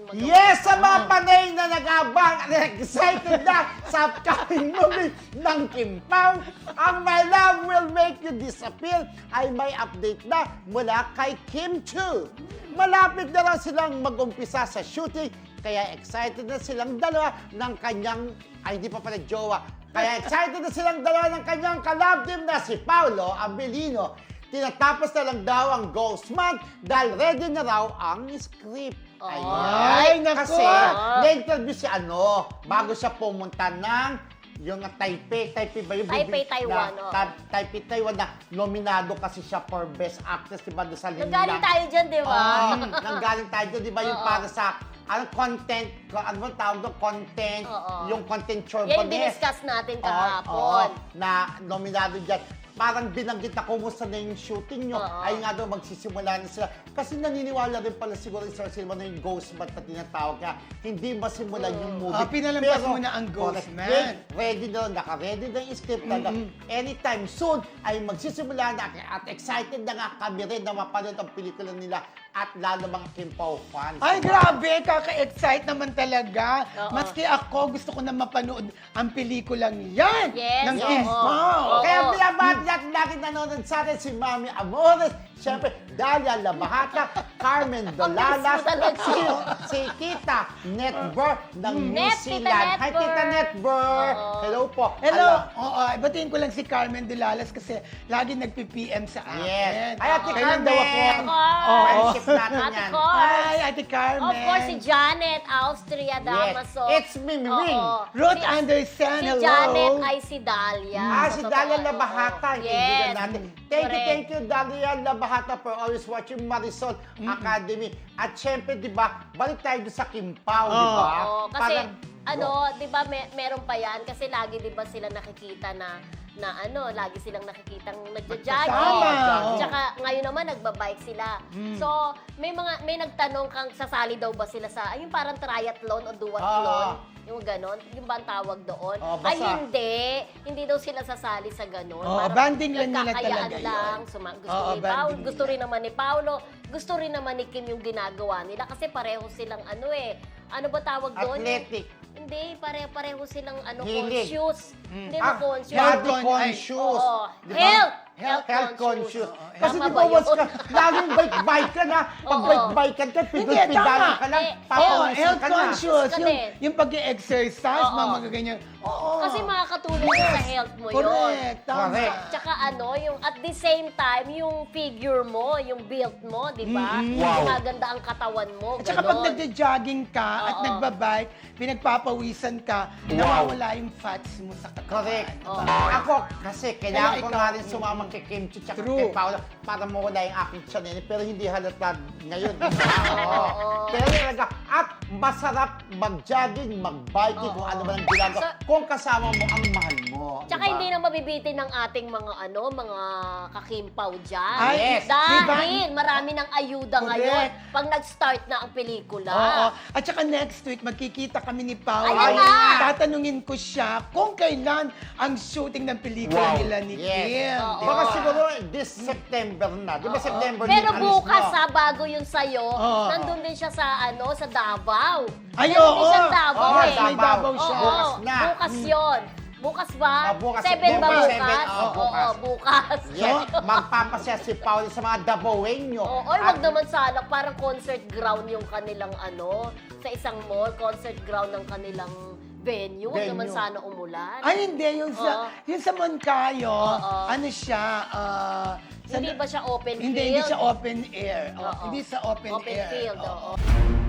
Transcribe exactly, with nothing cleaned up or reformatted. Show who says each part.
Speaker 1: magawa.
Speaker 2: Yes, sa mga panay na nag-abang at excited na sa upcoming movie ng Kim Pao, ang My Love Will Make You Disappear ay may update na mula kay Kim Chiu. Malapit na lang silang mag-umpisa sa shooting, kaya excited na silang dalawa ng kanyang, ay hindi pa pala jowa, kaya excited na silang dalawa ng kanyang kalab team na si Paolo Abilino. Tinatapos na lang daw ang Ghost Month dahil ready na raw ang script.
Speaker 1: Ay,
Speaker 3: naku!
Speaker 2: Kasi na-interview si ano, bago siya pumunta ng yung Taipei, Taipei ba yung
Speaker 1: Taipei,
Speaker 2: bibig-
Speaker 1: Taiwan,
Speaker 2: na,
Speaker 1: oo.
Speaker 2: ta- Taipei, Taiwan na nominado kasi siya for Best Actress, di ba, doon sa Linlang.
Speaker 1: Nanggaling tayo dyan, di ba?
Speaker 2: Oo, nanggaling tayo dyan, di ba, yung
Speaker 1: Oo.
Speaker 2: para sa ano, content, ano ba tawag doon, content,
Speaker 1: Oo.
Speaker 2: yung content chore
Speaker 1: Yan yung diniscuss natin kahapon.
Speaker 2: na nominado dyan. Parang binanggit na kumusta na yung shooting nyo.
Speaker 1: Oo.
Speaker 2: Ay nga daw, magsisimula na sila. Kasi naniniwala rin pala siguro yung Sir Silva na yung Ghost Man na tinatawag. Kaya hindi masimulan yung movie.
Speaker 3: Ah, pinalampas
Speaker 2: Pero,
Speaker 3: muna ang Ghost
Speaker 2: correct,
Speaker 3: Man.
Speaker 2: Ready, ready na, naka-ready na yung script talaga. Anytime soon ay magsisimula na at excited na nga kami rin na mapanood ang pelikula nila at lalo mga Kim Pao fans.
Speaker 3: Ay, grabe! Kaka-excite naman talaga.
Speaker 1: Oo.
Speaker 3: Maski ako, gusto ko na mapanood ang pelikulang yan
Speaker 1: Yes,
Speaker 3: ng
Speaker 1: yes.
Speaker 3: Kim
Speaker 1: Oo.
Speaker 3: Pao.
Speaker 1: Oo.
Speaker 2: Kaya binabati natin lagi nanonood sa atin si Mami Amores, siyempre Dalia Labahata, Carmen Dolalas,
Speaker 1: Ang talaga.
Speaker 2: si, si Tita Netbur ng New
Speaker 1: Net, Tita
Speaker 2: Zealand. Hi
Speaker 1: Netbur.
Speaker 2: Tita Netbur!
Speaker 1: Oo.
Speaker 2: Hello po.
Speaker 3: Hello! Oo, batiin ko lang si Carmen Dulalas kasi lagi nagpi-P M sa akin.
Speaker 2: Yes. Ay, Ate
Speaker 3: Kailan daw ako?
Speaker 2: Carmen!
Speaker 3: Oo.
Speaker 2: Friendship natin
Speaker 1: Ate
Speaker 2: yan.
Speaker 1: Cor.
Speaker 3: Ay, Ate Carmen.
Speaker 1: Of course, si Janet, Austria, Damaso.
Speaker 2: It's Mimi Wing.
Speaker 3: Ruth
Speaker 1: Si-
Speaker 3: Anderson,
Speaker 1: Si
Speaker 3: hello.
Speaker 1: Janet ay si Dalia.
Speaker 2: Ah,
Speaker 1: Sa
Speaker 2: si
Speaker 1: totoo,
Speaker 2: Dalia
Speaker 1: oo.
Speaker 2: Labahata, yung
Speaker 1: Yes.
Speaker 2: kaibigan natin. Thank you,
Speaker 1: Correct.
Speaker 2: thank you, Dalia Labahata, for always watching Marisol Academy. At syempre, di ba, balik tayo doon sa Kim Pao, di ba?
Speaker 1: Oo, kasi
Speaker 2: Parang-
Speaker 1: ano, 'di ba may, meron pa 'yan kasi lagi 'di ba sila nakikita na na ano, lagi silang nakikitang nagja-jogging.
Speaker 3: Magkasama, oo.
Speaker 1: Tsaka ngayon naman nagbabike sila. So, may mga may nagtanong kang sasali daw ba sila sa ay yung parang triathlon o duathlon,
Speaker 2: Oo.
Speaker 1: yung ganon, yung ba ang tawag doon?
Speaker 2: Oo,
Speaker 1: Ay
Speaker 2: basta-
Speaker 1: hindi, hindi daw sila sasali sa ganon.
Speaker 3: Oo,
Speaker 1: Parang
Speaker 3: banding lang nila
Speaker 1: nagkakayaan
Speaker 3: talaga yun.
Speaker 1: lang. Suma- gusto
Speaker 3: Oo,
Speaker 1: ni Paolo,
Speaker 3: banding
Speaker 1: gusto
Speaker 3: nila.
Speaker 1: rin naman ni Paolo, gusto rin naman ni Kim yung ginagawa nila kasi pareho silang ano eh, ano ba tawag doon?
Speaker 2: Athletic.
Speaker 1: Hindi, pare-pareho silang ano,
Speaker 2: Hilig.
Speaker 1: conscious. Hindi
Speaker 2: Ah,
Speaker 1: mo conscious.
Speaker 2: body
Speaker 3: Health con-
Speaker 2: conscious.
Speaker 1: Oo.
Speaker 2: Di ba?
Speaker 1: Health.
Speaker 2: Health, health conscious.
Speaker 1: Oo,
Speaker 2: Kasi
Speaker 1: tama
Speaker 2: di
Speaker 1: ba
Speaker 2: ba, once
Speaker 1: yun?
Speaker 2: ka, laging bike-bike ka na. Pag
Speaker 1: Oo.
Speaker 2: bike-bike ka,
Speaker 3: Hindi,
Speaker 2: pidol-pidalan
Speaker 3: tama.
Speaker 2: ka lang,
Speaker 1: Eh,
Speaker 3: Oo,
Speaker 2: papawisin
Speaker 3: health
Speaker 2: ka na.
Speaker 3: conscious.
Speaker 1: Ka
Speaker 3: Yung,
Speaker 1: din.
Speaker 3: yung pag-exercise,
Speaker 1: Oo.
Speaker 3: mga magaganyan. Oo.
Speaker 1: Kasi makakatulong yun sa health mo yun.
Speaker 3: Correct, tama.
Speaker 2: Correct.
Speaker 1: Tsaka ano, yung at the same time, yung figure mo, yung build mo, di ba?
Speaker 3: Mm-mm.
Speaker 2: Wow.
Speaker 1: Maganda ang katawan mo,
Speaker 3: At saka pag
Speaker 1: ganon.
Speaker 3: nagja-jogging ka at
Speaker 1: Oo.
Speaker 3: nagbabike, pinagpapawisan ka, nawawala yung fats mo sa katawan.
Speaker 2: Correct.
Speaker 1: Oo.
Speaker 2: Ako, kasi kailangan
Speaker 3: Kaya
Speaker 2: ko
Speaker 3: ikaw-
Speaker 2: nga rin sumama kay Kim Chiu tsaka
Speaker 3: True.
Speaker 2: kay Paolo para mawala yung aking tiyan eh, pero hindi halata ngayon. di ba? Oo.
Speaker 1: Oo.
Speaker 2: Pero talaga, at masarap mag-jogging, mag-biking, kung
Speaker 1: Oo.
Speaker 2: ano man ang ginagawa.
Speaker 1: So-
Speaker 2: kung kasama mo ang mahal mo.
Speaker 1: Tsaka
Speaker 2: di ba?
Speaker 1: hindi na mabibitin ng ating mga ano, mga kakimpaw dyan.
Speaker 3: Ay,
Speaker 2: yes.
Speaker 1: Dahil marami ng ayuda
Speaker 3: Correct.
Speaker 1: ngayon pag nag-start na ang pelikula.
Speaker 3: Oo. At saka next week, magkikita kami ni Paolo.
Speaker 1: Ayan na!
Speaker 3: Tatanungin ko siya kung kailan ang shooting ng pelikula nila ni
Speaker 2: Yes.
Speaker 3: Kim.
Speaker 1: Oo.
Speaker 3: di
Speaker 2: Baka
Speaker 3: ba?
Speaker 2: siguro this September na. Di ba September
Speaker 1: Pero
Speaker 2: din alis
Speaker 1: bukas
Speaker 2: mo?
Speaker 1: ha, bago yun sa'yo,
Speaker 3: Oo.
Speaker 1: nandun din siya sa ano, sa Davao.
Speaker 3: Ay,
Speaker 1: Nandun
Speaker 3: oo.
Speaker 1: din siya sa Davao
Speaker 2: Oo,
Speaker 1: eh.
Speaker 3: may Davao siya.
Speaker 1: Oo,
Speaker 2: Bukas na.
Speaker 1: bukas yun. Bukas ba?
Speaker 2: Ah, bukas.
Speaker 1: Seven ba
Speaker 2: Bukas,
Speaker 1: bukas?
Speaker 2: seven. Oo,
Speaker 1: Oo,
Speaker 2: bukas.
Speaker 1: oo, bukas.
Speaker 2: Yes, magpapasya si Paolo sa mga Davaoenyo.
Speaker 1: Oo, oy, wag naman sana, parang concert ground yung kanilang ano, sa isang mall, concert ground ng kanilang venue. Wag
Speaker 2: Venue.
Speaker 1: naman sana umulan.
Speaker 3: Ay, hindi. Yung
Speaker 1: Oo.
Speaker 3: sa, yung sa Moncayo,
Speaker 1: Oo.
Speaker 3: ano siya, ah, sa-
Speaker 1: Hindi ba siya open
Speaker 3: Hindi,
Speaker 1: field?
Speaker 3: hindi siya open air. Oh,
Speaker 1: Oo.
Speaker 3: Hindi sa open,
Speaker 1: Open
Speaker 3: air.
Speaker 1: field,
Speaker 3: Oo.
Speaker 1: oo.